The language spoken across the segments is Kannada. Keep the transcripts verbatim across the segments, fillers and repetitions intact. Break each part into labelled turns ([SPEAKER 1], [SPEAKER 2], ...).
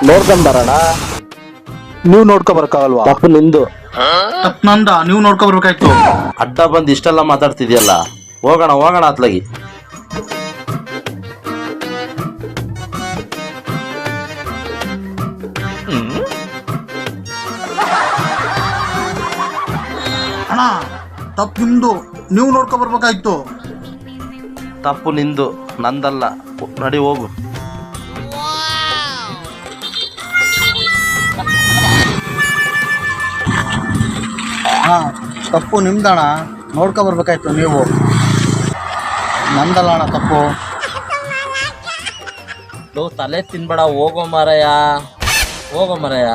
[SPEAKER 1] ನೋಡ್ಕೊಂಡ್ ಬರೋಣ.
[SPEAKER 2] ನೀವ್ ನೋಡ್ಕೊ ಬರಕ್ಕಾಗಲ್ವಾ?
[SPEAKER 1] ತಪ್ಪು ನಿಂದು.
[SPEAKER 3] ತಪ್ಪು ನಂದ, ನೀವು ನೋಡ್ಕೊ ಬರ್ಬೇಕಾಯ್ತು.
[SPEAKER 1] ಅಡ್ಡ ಬಂದು ಇಷ್ಟೆಲ್ಲ ಮಾತಾಡ್ತಿದ್ಯಲ್ಲ, ಹೋಗೋಣ ಹೋಗೋಣ ಅತ್ಲಾಗಿ.
[SPEAKER 3] ಅಣ್ಣ ತಪ್ಪು ನಿಮ್ದು, ನೀವು ನೋಡ್ಕೊ ಬರ್ಬೇಕಾಯ್ತು.
[SPEAKER 1] ತಪ್ಪು ನಿಂದು, ನಂದಲ್ಲ. ನಡಿ ಹೋಗು.
[SPEAKER 3] ಅಣ್ಣ ತಪ್ಪು ನಿಮ್ದಣ್ಣ, ನೋಡ್ಕೊ ಬರ್ಬೇಕಾಯ್ತು ನೀವು. ನಂದಲ್ಲ ಅಣ್ಣ ತಪ್ಪು.
[SPEAKER 1] ಲೋ ತಲೆ ತಿನ್ಬೇಡ, ಹೋಗೋ ಮಾರಾಯ, ಹೋಗೋ ಮಾರಾಯ.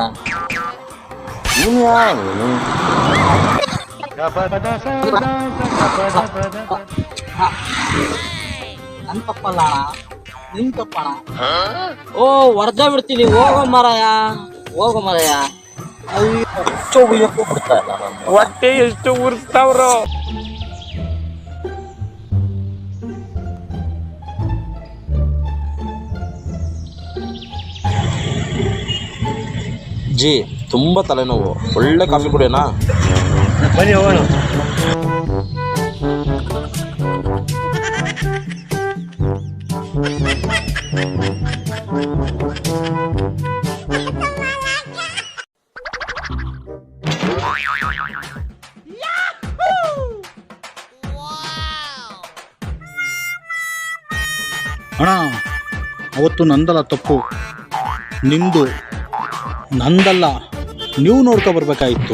[SPEAKER 4] ನನ್ ತಪ್ಪಲ್ಲ ಅಣ್ಣ, ನಿಮ್ ತಪ್ಪಣ. ಓ ಹೊರ್ದ ಬಿಡ್ತೀನಿ, ಹೋಗೋ ಮಾರಾಯ, ಹೋಗೋ ಮಾರಾಯ.
[SPEAKER 5] ಹೊಟ್ಟೆ ಎಷ್ಟು ಉರ್ಸ್ತಾವ್ರು.
[SPEAKER 1] ಜಿ ತುಂಬಾ ತಲೆನೋವು, ಒಳ್ಳೆ ಕಾಫಿ ಕುಡಿಯೋಣ.
[SPEAKER 5] ಬನ್ನಿ ಹೋಗೋಣ.
[SPEAKER 3] ಅಣ್ಣ ಅವತ್ತು ನಂದಲ್ಲ ತಪ್ಪು, ನಿಮ್ದು. ನಂದಲ್ಲ, ನೀವು ನೋಡ್ಕೊ ಬರ್ಬೇಕಾಯ್ತು.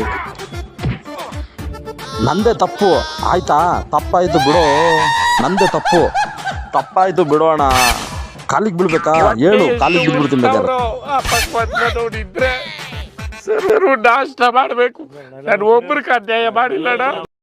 [SPEAKER 1] ನಂದೇ ತಪ್ಪು ಆಯ್ತಾ? ತಪ್ಪಾಯ್ತು ಬಿಡೋ, ನಂದೇ ತಪ್ಪು. ತಪ್ಪಾಯ್ತು ಬಿಡೋಣ. ಕಾಲಿಗೆ ಬೀಳ್ಬೇಕಾ? ಹೇಳು, ಕಾಲಿಗೆ ಬಿದ್ಬಿಡ್ತೀನಿ ಬೇಕಾದ್ರೆ.
[SPEAKER 5] ಅಪಕ್ವತ್ನ ನೋಡಿದ್ರೆ ಸರ್ ನಾಷ್ಟ ಮಾಡ್ಬೇಕು. ನಾನು ಒಬ್ರಿಗೆ ಅನ್ಯಾಯ ಮಾಡಿಲ್ಲಣ್ಣ.